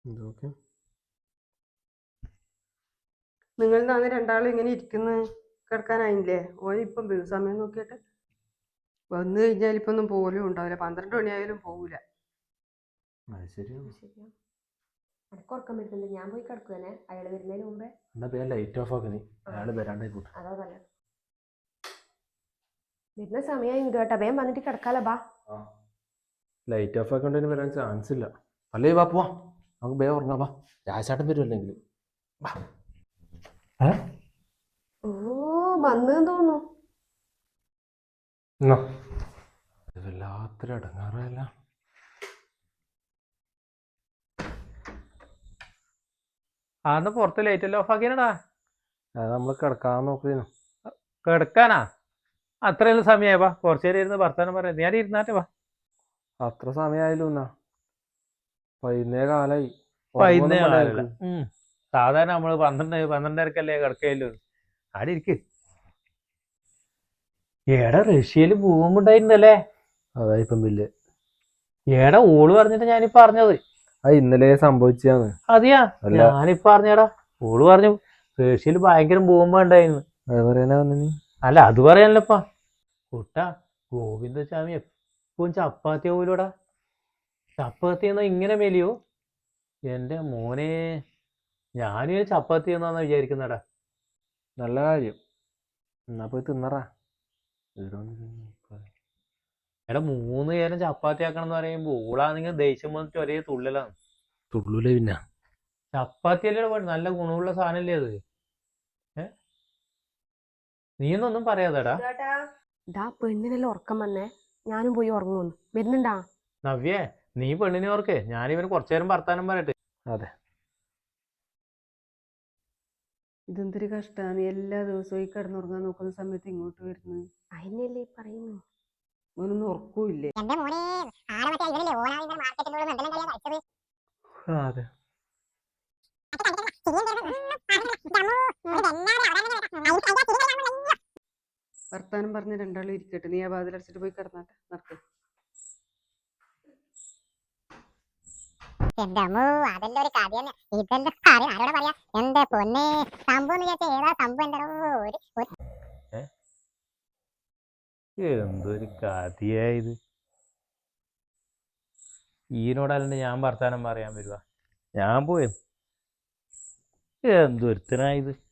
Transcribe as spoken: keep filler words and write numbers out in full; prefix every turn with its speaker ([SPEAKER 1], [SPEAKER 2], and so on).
[SPEAKER 1] ഇതൊക്കെ
[SPEAKER 2] നിങ്ങൾ അന്ന് രണ്ടാളും ഇങ്ങനെ ഇരിക്കുന്നു കിടക്കാനായില്ലേ? ഓനിപ്പം വരും സമയം നോക്കിയിട്ട്. വന്നു കഴിഞ്ഞാൽ ഇപ്പൊ ഒന്നും പോലും ഉണ്ടാവില്ല. പന്ത്രണ്ട് മണിയായാലും പോകൂല.
[SPEAKER 1] അത് ശരിയാണ്.
[SPEAKER 3] എനക്ക് ഉറക്കം വരുന്നുണ്ട്, ഞാൻ പോയി കിടക്കുവനെ അയാൾ വരുന്നതിന് മുമ്പേ.
[SPEAKER 1] എന്നാ പേര് ലൈറ്റ് ഓഫ് ആക്കി, അയാൾ വരാണ്ടായിക്കോട്ടെ.
[SPEAKER 3] അതാ നല്ല വരുന്ന സമയം ഇത് കേട്ടോ, വേഗം വന്നിട്ട് കിടക്കാലോ. ബാ,
[SPEAKER 1] ലൈറ്റ് ഓഫ് ആക്കണ്ടതിന് വരാൻ ചാൻസ് ഇല്ല. അല്ലേ വാ പോവാ, നമുക്ക് വേഗം ഉറങ്ങാം. വാ, രാജാട്ടൻ വരും അല്ലെങ്കിൽ.
[SPEAKER 3] ഓ വന്നു തോന്നുന്നു.
[SPEAKER 1] വല്ലാത്തൊരു അടങ്ങാറല്ല.
[SPEAKER 4] ആന്ന് പുറത്ത് ലൈറ്റ് എല്ലാം ഓഫ് ആക്കിയാടാ.
[SPEAKER 1] അത് നമ്മൾ കിടക്കാൻ നോക്കുന്നു.
[SPEAKER 4] കിടക്കാനാ? അത്രയെല്ലാം സമയമായി. വാ, കുറച്ചു നേരം ഇരുന്ന് വർത്താനം പറയാം. ഞാൻ ഇരുന്നാട്ടെ. വാ,
[SPEAKER 1] അത്ര സമയമായാലും എന്നാ വൈകുന്നേര കാലായി.
[SPEAKER 4] വൈകുന്നേരം സാധാരണ നമ്മള് പന്ത്രണ്ട് പന്ത്രണ്ടരക്കല്ലേ കിടക്കയല്ലോ. ആടെ ഇരിക്ക്. ഏടാ റഷ്യയില് ഭൂകമ്പുണ്ടായിരുന്നല്ലേ?
[SPEAKER 1] അതായിപ്പം ബില്ല്.
[SPEAKER 4] ഏടാ ഓള് പറഞ്ഞിട്ട് ഞാനിപ്പ അറിഞ്ഞത്.
[SPEAKER 1] അത് ഇന്നലെ സംഭവിച്ചാണ്.
[SPEAKER 4] അതെയാ? ഞാനിപ്പ അറിഞ്ഞടാ. ഓള് പറഞ്ഞു റഷ്യയില് ഭയങ്കര ഭൂകമ്പം ഉണ്ടായിരുന്നു.
[SPEAKER 1] അത് പറയാനാ വന്നി?
[SPEAKER 4] അല്ല, അത് പറയാനല്ലപ്പാ കുട്ടാ. ഗോവിന്ദസ്വാമി എപ്പോഴും ചപ്പാത്തി പോലൂടാ. ചപ്പാത്തി എന്നാ ഇങ്ങനെ മെലിയോ? എന്റെ മോനെ, ഞാനും ചപ്പാത്തി എന്നാന്ന് വിചാരിക്കുന്നടാ.
[SPEAKER 1] നല്ല കാര്യം, എന്നാ പോയി തിന്നറാ.
[SPEAKER 4] എടാ, മൂന്ന് നേരം ചപ്പാത്തി ആക്കണം എന്ന് പറയുമ്പോ ഓളാണെങ്കിൽ ദേഷ്യം വന്നിട്ട് ഒരേ തുള്ളലാണ്.
[SPEAKER 1] തുള്ളൂലേ പിന്നെ?
[SPEAKER 4] ചപ്പാത്തി അല്ലേ നല്ല ഗുണമുള്ള സാധനല്ലേ അത്? ഏ നീയൊന്നും പറയാതെടാ.
[SPEAKER 3] ഇതാ പെണ്ണിനെല്ലാം ഉറക്കം വന്നേ, ഞാനും പോയി ഉറങ്ങുന്നു. വരുന്നുണ്ടാ?
[SPEAKER 4] നവ്യേ, നീ പെണ്ണിനെ ഓർക്കേ. ഞാനിവന് കുറച്ചു നേരം വർത്താനം പറയട്ടെ.
[SPEAKER 1] അതെ,
[SPEAKER 2] ഇതെന്തൊരു കഷ്ടമാണ്. നീ എല്ലാ ദിവസവും ഈ കിടന്നുറങ്ങാൻ നോക്കുന്ന സമയത്ത് ഇങ്ങോട്ട് വരുന്നു.
[SPEAKER 3] അതിനല്ലേ പറയുന്നു.
[SPEAKER 2] ഓനൊന്നും ഉറക്കൂല്ലേ?
[SPEAKER 1] അതെ.
[SPEAKER 2] വർത്താനം പറഞ്ഞ് രണ്ടാളും ഇരിക്കട്ടെ. നീ ആ വാതിലടച്ചിട്ട് പോയി കിടന്നാട്ടെ. നടക്ക്.
[SPEAKER 5] എന്റെ അമ്മോ, അതെല്ലാം ഒരു കഥ തന്നെ. ഇതെല്ലാം കാര്യം ആരോടെ പറയാ? എന്റെ പൊന്നെ, സംഭവം എന്ന് വിചാരിച്ച ഏതാ സംഭവം? എന്താ
[SPEAKER 4] എന്തൊരു കഥയായത്. ഈനോടല്ലാണ്ട് ഞാൻ വർത്താനം പറയാൻ വരുവാ? ഞാൻ പോയത് എന്തൊരുത്തനായത്.